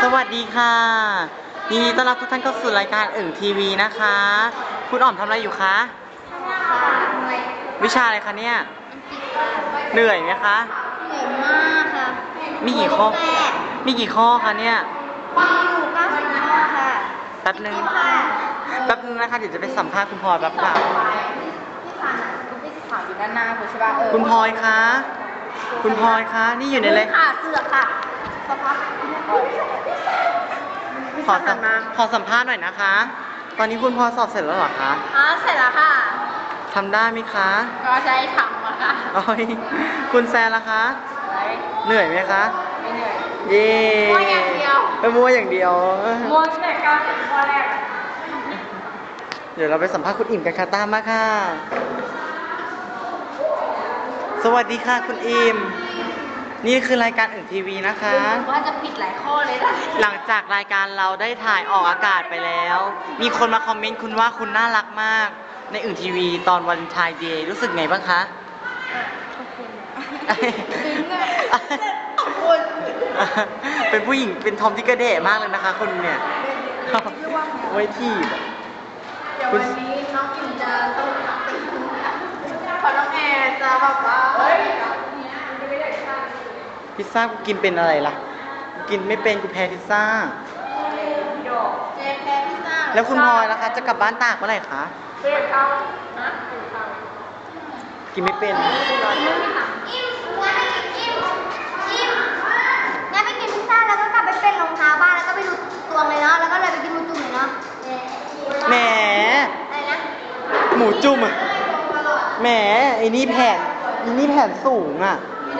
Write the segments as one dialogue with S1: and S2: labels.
S1: สวัสดีค่ะยินดีต้อนรับทุกท่านเข้าสู่รายการทีวีนะคะคุณอ๋อมทำอะไรอยู่คะวิชาอะไรคะเนี่ยเหนื่อยไหมคะ
S2: เหนื่อยมากค่ะ
S1: มีกี่ข้อคะเนี่ย
S2: มีอยู่90 ข้อค่ะ
S1: แป๊บนึงนะคะเดี๋ยวจะไปสัมภาษณ์คุณพลอยแป๊บค่ะ
S2: พี่ขาวอยู่ด้านหน้าคุณใช่ป่ะ
S1: คุณพลอยคะนี่อยู่ในเลย
S2: ค่ะเสือกค่ะสักพัก
S1: ขอสัมภาษณ์หน่อยนะคะ ตอนนี้คุณพลอยสอบเสร็จแล้วเหรอคะ
S2: เสร็จแล้วค่ะ
S1: ทำได้ไหมคะ
S2: ก็ใช้ทำอะค่ะ
S1: คุณแซนล่ะคะเหนื่อยไหมคะ
S2: ไม่เหนื่อย
S1: เย่
S2: มัวอย่างเดียว
S1: มัวอย่างเดียว
S2: มัวแต่90 ข้อแรก
S1: เดี๋ยวเราไปสัมภาษณ์คุณอิ่มกันค่ะตามมาค่ะสวัสดีค่ะคุณอิ่มนี่คือรายการทีวีนะคะ
S2: ว่าจะผิดหลายข้อเลยนะ
S1: หลังจากรายการเราได้ถ่ายออกอากาศไปแล้วมีคนมาคอมเมนต์คุณว่าคุณน่ารักมากในทีวีตอนวันชายเดย์รู้สึกไงบ้างคะ
S2: ขอบคุณ
S1: เป็นผู้หญิงเป็นทอมที่กระเดะมากเลยนะคะคนเนี่ยไว้ที่
S2: เดี๋ยววันนี้น้องอิ่มจะต้องขอน้องแอร์จะบอกว่า
S1: พิซซ่ากูกินเป็นอะไรล่ะกูกินไม่เป็นกูแพ้พิซซ่า
S2: เจแพ้พิซซ่า
S1: แล้วคุณพลอยล่ะคะจะกลับบ้านตากเมื่อไหร่คะกินไม่เป็น
S2: งั้นไปกินพิซซ่าแล้วก็กลับไปเป็นรองเท้าบ้านแล้วก็ไปดูตัวเลยเนาะแล้วก็เลยไปกินหมูจุ่มเลยเนาะ
S1: แหม
S2: อะไรนะ
S1: หมูจุ่มอ่ะแหมไอ้นี่แผ่นสูงอ่ะ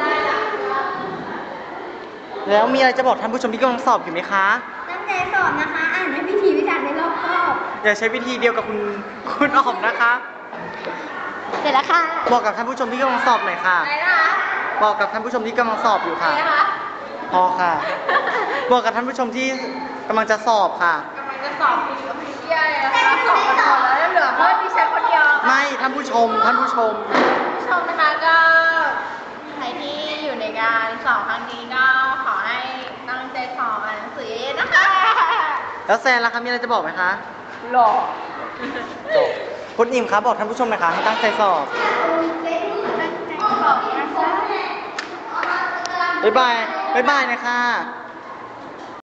S1: แล้วมีอะไรจะบอกท่านผู้ชมที่กำลังสอบอยู่ไหมคะ
S2: ตั้งใจสอบนะคะอ่านให้พิธีพิถันในรอบคอบ
S1: อย่าใช้วิธีเดียวกับคุณอ๋อมนะคะ
S2: เสร็จแล้วค่ะ
S1: บอกกับท่านผู้ชมที่กำลังสอบหน่อยค่ะ
S2: อะไรนะคะ
S1: บอกกับท่านผู้ชมที่กำลังสอบอยู่ค่ะพอค่ะบอกกับท่านผู้ชมที่กำลังจะสอบค่ะ
S2: กำลังจะสอบปีกับพี่เตี้ยเลยนะคะสอบกันหมดแล้วเหลือเพื่อนดิฉันคนเดียว
S1: ไม่ท่านผู้ชม
S2: นะคะก็ใครที่อยู่ในการสอบครั้งนี้ก็ขอให้ตั้งใจสอบอ่านหนังสือเยอะๆนะคะ
S1: แล้วแซนล่ะคะมีอะไรจะบอกไหมคะ
S2: หล่อ
S1: คุณอิ่มคะบอกท่านผู้ชมหน่อยค่ะให้ตั้งใจสอบบ๊ายบายนะคะ